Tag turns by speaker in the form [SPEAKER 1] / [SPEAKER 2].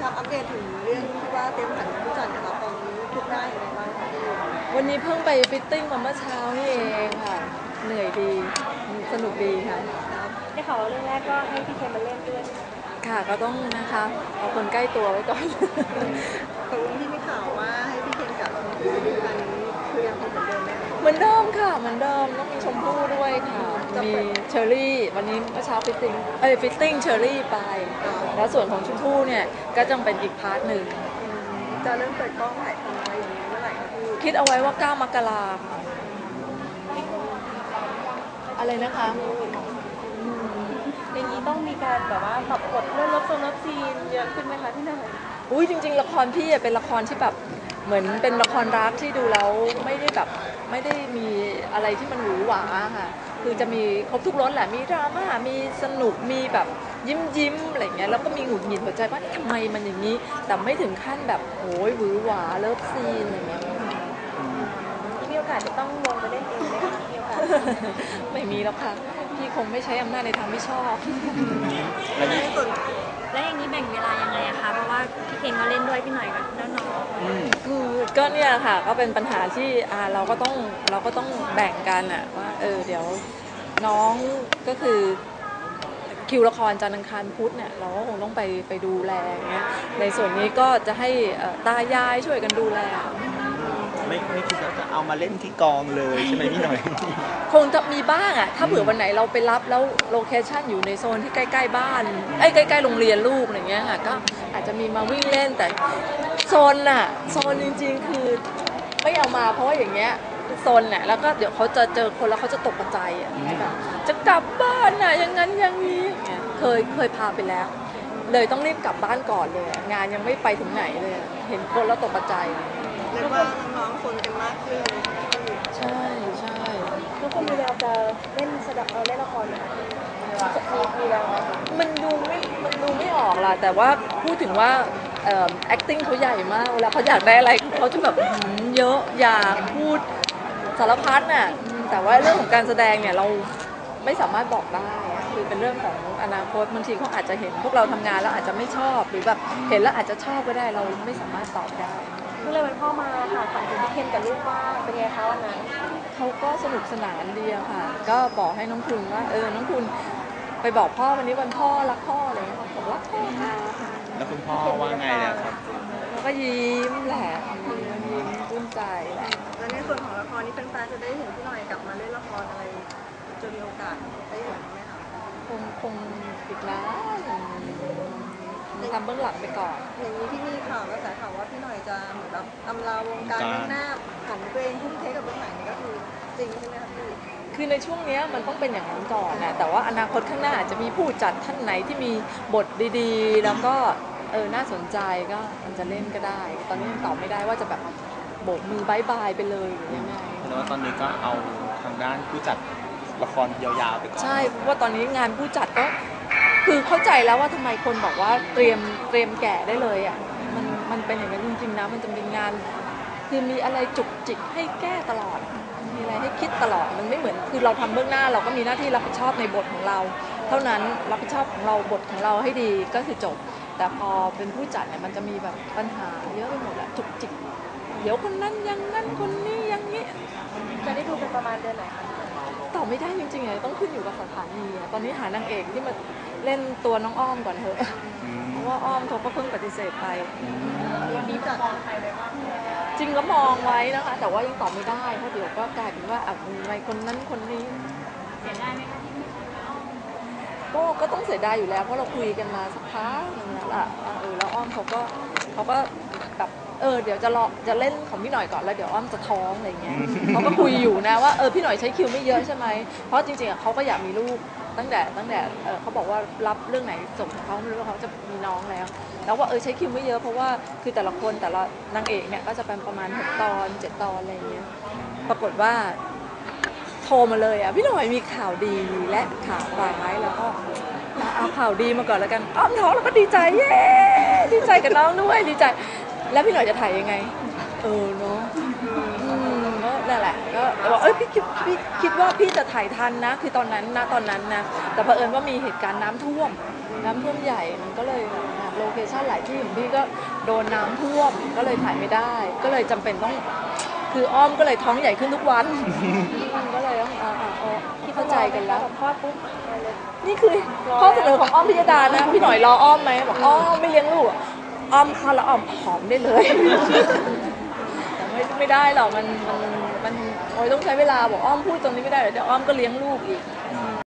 [SPEAKER 1] ครับอัปเดตถึงเรื่องที่ว่าเตรียมผันผู้จัดนะครับตอนนี้คืบหน้าอย่างไรบ้างคะพี่
[SPEAKER 2] วันนี้เพิ่งไปฟิตติ้งมาเมื่อเช้านี่เองค่ะเหนื่อยดีสนุกดีค่ะ
[SPEAKER 3] ได้ข่าวว่าเรื่องแรกก็ให้พี่เคนมาเล่นด้วย
[SPEAKER 2] ค่ะก็ต้องนะคะเอาคนใกล้ตัวไว้ก่อน
[SPEAKER 1] ตกลงที่มีข่าวว่าให้พี่เคนกับชมพู่ดูกันนี้คือยังคงเหมือนเดิมไหมคะ
[SPEAKER 2] เหมือนเดิมค่ะเหมือนเดิมต้องมีชมพู่ด้วยค่ะมีเชอรี่วันนี้เมื่อเช้าฟิตติ้งเชอรี่ไปแล้วส่วนของชมพู่เนี่ยก็จังเป็นอีกพาร์ทหนึ่ง
[SPEAKER 1] จะเริ่มเปิดกล้องถ่ายทำอะไรอย่างนี้เมื่อไหร่คะพี่
[SPEAKER 2] คิดเอาไว้ว่า9 มกราค่ะอะไรนะคะ
[SPEAKER 3] อย่างนี้ต้องมีการแบบว่าปรับบทเรื่องเลิฟซีนเยอะขึ้นไหมคะพี่หน่อย
[SPEAKER 2] อุ้ยจริงๆละครพี่เป็นละครที่แบบเหมือนเป็นละครรักที่ดูแล้วไม่ได้มีอะไรที่มันหวือหวาค่ะคือจะมีครบทุกรสแหละมีดราม่ามีสนุกมีแบบยิ้มอะไรเงี้ยแล้วก็มีหงุดหงิดหัวใจว่าทำไมมันอย่างนี้แต่ไม่ถึงขั้นแบบโอ้ยหวือหวาเลิฟซีนอะไรเงี้ย
[SPEAKER 3] มีโอกาสจะต้องลงไปเล่นเองไหมคะมีโอกาส
[SPEAKER 2] ไม่มีแล้วค่ะพี่คงไม่ใช้อำนาจในทางที่ชอบ
[SPEAKER 3] และอย่างนี้แบ่งเวลายังไงอะคะเพราะว่าพี่เคนก็เล่นด้วยพี่หน่อยก็แล้วน้อง
[SPEAKER 2] คือก็เนี่ยค่ะก็เป็นปัญหาที่เราก็ต้องแบ่งกันอะว่าเดี๋ยวน้องก็คือคิวละครจันทร์อังคารพุธเนี่ยเราก็คงต้องไปดูแลอย่างเงี้ยในส่วนนี้ก็จะให้ตายายช่วยกันดูแล
[SPEAKER 4] ไม่คิดว่าจะเอามาเล่นที่กองเลยใช่ไหมพี่หน่อย
[SPEAKER 2] คงจะมีบ้างอะถ้าเผื่อวันไหนเราไปรับแล้วโลเคชั่นอยู่ในโซนที่ใกล้ๆบ้านใกล้ๆโรงเรียนลูกอย่างเงี้ยค่ะก็อาจจะมีมาวิ่งเล่นแต่โซนจริงๆคือไม่เอามาเพราะว่าอย่างเงี้ยโซนเนี่ยแล้วก็เดี๋ยวเขาจะเจอคนแล้วเขาจะตกใจอ่ะแบบจะกลับบ้านน่ะอย่างนั้นอย่างนี้เคยพาไปแล้วเลยต้องรีบกลับบ้านก่อนเลยงานยังไม่ไปถึงไหนเลยเห็นคนแล้วตกใจ
[SPEAKER 1] เรียกว่าน้องๆคนกันมากขึ้น
[SPEAKER 2] ใช่
[SPEAKER 3] ทุกคนมีแววจะเล่นเล่นละครไหมคะมีแววไหม
[SPEAKER 2] มันดูไม่ออกล่ะแต่ว่าพูดถึงว่าacting เขาใหญ่มากเวลาเขาอยากได้อะไรเขาจะแบบเยอะอยากพูดสารพัดน่ะแต่ว่าเรื่องของการแสดงเนี่ยเราไม่สามารถบอกได้คือเป็นเรื่องของอนาคตบางทีเขาอาจจะเห็นพวกเราทำงานแล้วอาจจะไม่ชอบหรือแบบเห็นแล้วอาจจะชอบก็ได้เราไม่สามารถตอบได้
[SPEAKER 3] ก็เลยวันพ่อมาค่ะฝันถึงพี่เคนกับลูกว่าเป็นไงคะวันนั้น
[SPEAKER 2] เขาก็สนุกสนานดีอะค่ะก็บอกให้น้องคุณว่าน้องคุณไปบอกพ่อวันนี้วันพ่อรักพ่ออะไรอย่างเงี้ยบอกรักพ่อค่ะ
[SPEAKER 4] แล้วคุณพ่อว่าไงเนี่ยครับ
[SPEAKER 2] เขาก็ยิ้มแหละยิ้มปลื้มใจแหละ
[SPEAKER 1] แล้วในส่วนของละครนี้แฟนๆจะได้เห็นพี่หน่อยกลับมาเล่นละครอะไรจะมีโอกาสได้เห็นไหมคะ
[SPEAKER 2] คงอีกนานทำเบื้องหลังไปก่อน
[SPEAKER 1] อย่างนี้ที่มีข่าวกระแสข่าวว่าพี่หน่อยจะเหมือนแบบอำลาวงการเบื้องหน้าของตัวเองทุ่มเทกับเบื้องหลังนี่ก็คือจริงใช่ไหมคะพี่
[SPEAKER 2] คือในช่วงนี้มันต้องเป็นอย่างนั้นก่อนนะแต่ว่าอนาคตข้างหน้าอาจจะมีผู้จัดท่านไหนที่มีบทดีๆแล้วก็น่าสนใจก็มันจะเล่นก็ได้ตอนนี้ยังตอบไม่ได้ว่าจะแบบโบกมือบายบายไปเลยหรือยังไง
[SPEAKER 4] แต่ว่าตอนนี้ก็เอาทางด้านผู้จัดละครยาวๆไปก่อน
[SPEAKER 2] ใช่เพราะว่าตอนนี้งานผู้จัดก็คือเข้าใจแล้วว่าทำไมคนบอกว่าเตรียมแก่ได้เลยอ่ะมันเป็นอย่างนั้นจริงๆนะมันจะมีงานคือมีอะไรจุกจิกให้แก้ตลอดมีอะไรให้คิดตลอดมันไม่เหมือนคือเราทำเบื้องหน้าเราก็มีหน้าที่รับผิดชอบในบทของเราเท่านั้นรับผิดชอบของเราบทของเราให้ดีก็คือจบแต่พอเป็นผู้จัดเนี่ยมันจะมีแบบปัญหาเยอะไปหมดอะจุกจิกเดี๋ยวคนนั้นอย่างนั้นคนนี้อย่างนี้
[SPEAKER 3] จะได้ดูเป็นประมาณเดือนไหนคะ
[SPEAKER 2] ตอบไม่ได้จริงๆเลยต้องขึ้นอยู่กับสถานีตอนนี้หานางเอกที่มาเล่นตัวน้องอ้อมก่อนเถอะเพราะว่าอ้อมเขาก็เพิ่งปฏิเสธไป
[SPEAKER 3] วันนี้จะมองใครไว้บ้าง
[SPEAKER 2] จริงก็มองไว้นะคะแต่ว่ายังตอบไม่ได้เพราะเดี๋ยวก็กลายเป็นว่าอะไรคนนั้นคนนี้
[SPEAKER 3] เสียดายไหมคะที่ไม่
[SPEAKER 2] ก็ต้องเสียดายอยู่แล้วเพราะเราคุยกันมาสักพักนึงแล้วล่ะแล้วอ้อมเขาก็แบบเดี๋ยวจะเล่นของพี่หน่อยก่อนแล้วเดี๋ยวอ้อมจะท้องอะไรเงี้ยเขาก็คุยอยู่นะว่าพี่หน่อยใช้คิวไม่เยอะใช่ไหมเพราะจริงๆเขาก็อยากมีลูกตั้งแต่เขาบอกว่ารับเรื่องไหนส่งเขาไม่รู้ว่าเขาจะมีน้องแล้วว่าใช้คิวไม่เยอะเพราะว่าคือแต่ละคนแต่ละนางเอกเนี่ยก็จะเป็นประมาณ6 ตอน7 ตอนอะไรเงี้ยปรากฏว่าโทรมาเลยพี่หน่อยมีข่าวดีและข่าวร้ายแล้วก็เอาข่าวดีมาก่อนแล้วกันอ้อมท้องแล้วก็ดีใจเย้ดีใจกับน้องด้วยดีใจแล้วพี่หน่อยจะถ่ายยังไงเนาะก็นั่นแหละก็บอกพี่คิดว่าพี่จะถ่ายทันนะคือตอนนั้นนะแต่เผอิญว่ามีเหตุการณ์น้ำท่วมน้ำท่วมใหญ่มันก็เลยโลเคชั่นหลายที่ของพี่ก็โดนน้ำท่วมก็เลยถ่ายไม่ได้ ก็เลยจำเป็นต้องคืออ้อมก็เลยท้องใหญ่ขึ้นทุกวัน ก็เลยต้องเข้าใจกันแล้ว
[SPEAKER 3] คลอดปุ๊บมาเลย
[SPEAKER 2] นี่คือข้อเสนอของอ้อมพิยดานะพี่หน่อยรออ้อมไหมบอกอ้อมไม่เลี้ยงลูกอ้อมค่ะแล้วอ้อมผอมได้เลย แต่ไม่ได้หรอกมันโอ้ยต้องใช้เวลาบอกอ้อมพูดตรงนี้ไม่ได้เดี๋ยวอ้อมก็เลี้ยงลูกอีก